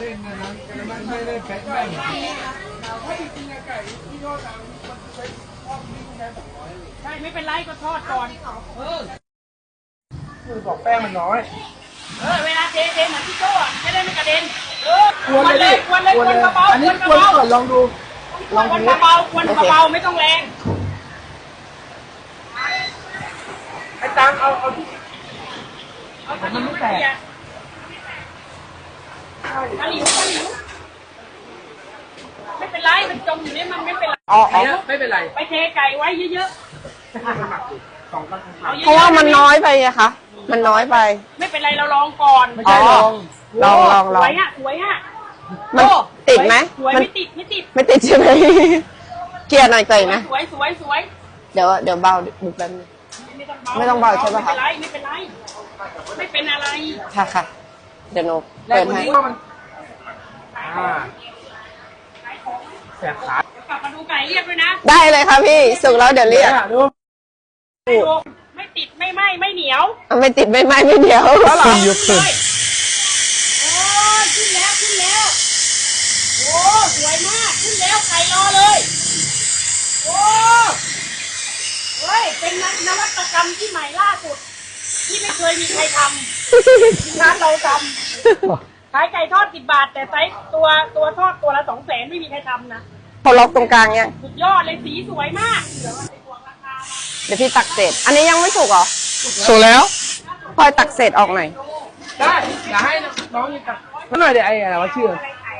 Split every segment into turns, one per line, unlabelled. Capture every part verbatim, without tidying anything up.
ล่นนะนะมันไม่ได้แข็งแรงถ้าจริงๆไก่ที่ทอดมันใช้ทอดนี่แค่สองร้อย
ใช่ไม่เป็นไรก็ทอดก่อนเออ
คือบอกแป้งมันน้อย
เออเวลาเทเทเหมือนที่โจ้อะจะได้ไม่กระเด็นเออควนเลยควนเลยควนเบาๆ
อันนี้ควนก่อนลองดู
ลองควนเบาๆควนเบาๆไม่ต้องแรง
ไอ้ตังเอาเอาที่
เอาตะหลิวตะหลิวตะหลิวตะหลิวไม่เป็นไรมันจมอยู่นี่มันไม่เป็นไร
อ๋อ
ไม่เป็นไร
ไปเทไก่ไว้เยอะ
ๆสองกัน
เพราะว่ามันน้อยไปไงคะมันน้อยไป
ไม่เป็นไรเราลองก่อน
ไม่ใช่ลอง
ลองลองลอง
สวยอ่ะสวยอ่ะ
มันติดไหม
สวยไม่ติดไม่ติด
ไม่ติดใช่ไหมเกลียร์หน่อยเกยนะ
สวยสวยสวย
เดี๋ยวเดี๋ยวเบาดูแป๊บนึงไม่ต้องเบาใช่ไหมคะ
ไม่เป็นไรไม่เป็นไรไม่เป็นอะไร
ค่ะค่ะเดี๋ยวหนูเปิดให้
แสบขาก
ลับมาดูไก่เรียบด้วยนะ
ได้เลยค่ะพี่สุกแล้วเดี๋ยวเรียก
ดู
ไม่ติดไม่ไหม้ไม่เหนียว
ไม่ติดไม่ไหม้ไม่เดียวแล้วหรอ
ยกขึ้น
โอ้ขึ้นแล้วขึ้นแล้วโอ้สวยมากขึ้นแล้วไก่รอเลยโอ้เฮ้ยเป็นนวัตกรรมที่ใหม่ล่าสุดที่ไม่เคยมีใครทำร้านเราทำขายไก่ทอดสิบบาทแต่ไซส์ตัวตัวทอดตัวละสองแสนไม่มีใครทำนะ
พอล็อกตรงกลางเนี่ย
สุดยอดเลยสีสวยมาก
เดี๋ยวพี่ตักเศษอันนี้ยังไม่สุกเหรอ
สุกแล้ว
พอยตักเศษออกหน่อย
ได้อย่าให้น้องยิงตักนั่นหน่อยเดี๋ยวไอ้อะไรวะชื่อ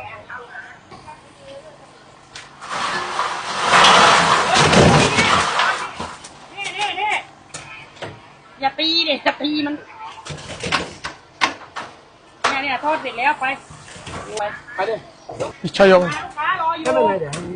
นี่นี่นี่อย่าตีเด็กจะตีมันเนี่ยเนี่ยทอดเสร็จแล้วไป
ไปดิชายง
ลูกค้ารออยู่
ก็เป็นไรเดี๋ยว